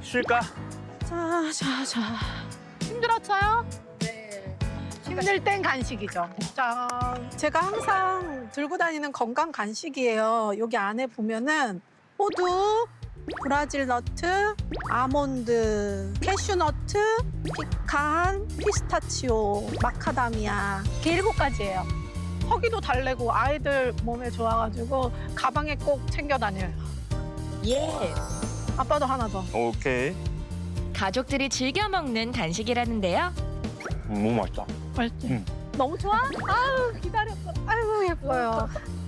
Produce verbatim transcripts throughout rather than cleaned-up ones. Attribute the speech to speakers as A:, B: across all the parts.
A: 쉴까?
B: 자, 자, 자. 힘들었어요? 네. 힘들 땐 간식이죠. 짠. 제가 항상 들고 다니는 건강 간식이에요. 여기 안에 보면은 호두, 브라질 너트, 아몬드, 캐슈너트, 피칸, 피스타치오, 마카다미아. 이렇게 일곱 가지예요. 허기도 달래고 아이들 몸에 좋아가지고 가방에 꼭 챙겨 다녀요.
C: 예.
B: 아빠도 하나 더.
A: 오케이.
D: 가족들이 즐겨 먹는 간식이라는데요.
A: 음, 너무 맛있다.
B: 맛있지?
A: 응.
B: 너무 좋아? 아유, 기다렸어. 아유, 예뻐요.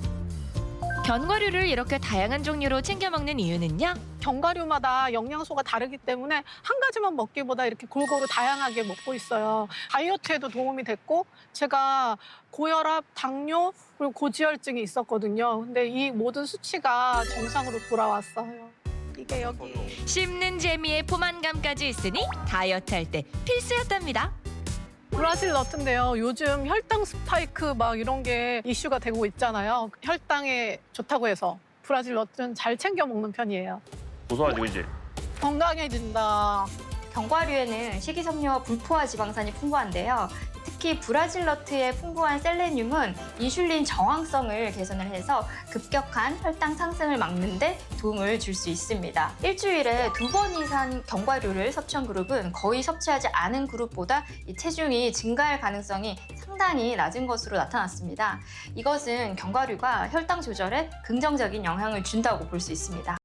D: 견과류를 이렇게 다양한 종류로 챙겨 먹는 이유는요?
B: 견과류마다 영양소가 다르기 때문에 한 가지만 먹기보다 이렇게 골고루 다양하게 먹고 있어요. 다이어트에도 도움이 됐고 제가 고혈압, 당뇨, 그리고 고지혈증이 있었거든요. 근데 이 모든 수치가 정상으로 돌아왔어요. 이게 여기.
D: 씹는 재미에 포만감까지 있으니 다이어트 할 때 필수였답니다.
B: 브라질 너트인데요. 요즘 혈당 스파이크 막 이런 게 이슈가 되고 있잖아요. 혈당에 좋다고 해서 브라질 너트는 잘 챙겨 먹는 편이에요.
A: 고소하지, 그지?
B: 건강해진다.
E: 견과류에는 식이섬유와 불포화 지방산이 풍부한데요. 특히 브라질 너트의 풍부한 셀레늄은 인슐린 저항성을 개선을 해서 급격한 혈당 상승을 막는 데 도움을 줄 수 있습니다. 일주일에 두 번 이상 견과류를 섭취한 그룹은 거의 섭취하지 않은 그룹보다 이 체중이 증가할 가능성이 상당히 낮은 것으로 나타났습니다. 이것은 견과류가 혈당 조절에 긍정적인 영향을 준다고 볼 수 있습니다.